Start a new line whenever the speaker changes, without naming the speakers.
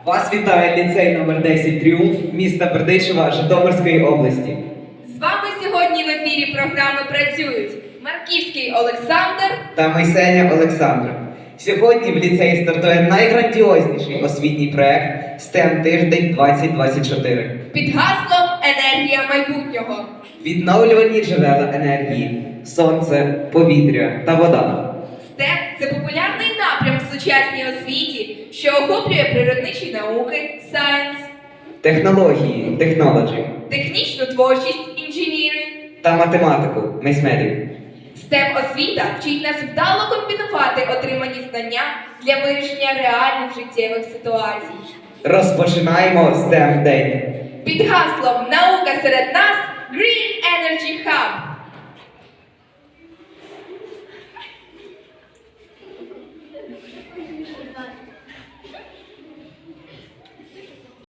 Вас вітає ліцей номер 10 «Тріумф» міста Бердичева Житомирської області.
З вами сьогодні в ефірі програми працюють Марківський Олександр
Та Мойсеня Олександра. Сьогодні в ліцеї стартує найграндіозніший освітній проект STEM Тиждень 2024.
під гаслом «Енергія майбутнього».
Відновлювані джерела енергії, сонце, повітря та вода.
STEM – це популярний напрям в сучасній освіті, що охоплює природничі науки, science,
Технології, technology
технічну творчість, engineering.
та математику, mathematics.
STEM-освіта вчить нас вдало комбінувати отримані знання для вирішення реальних життєвих ситуацій.
Розпочинаємо STEM день.
Під гаслом «Наука серед нас» Green Energy Hub.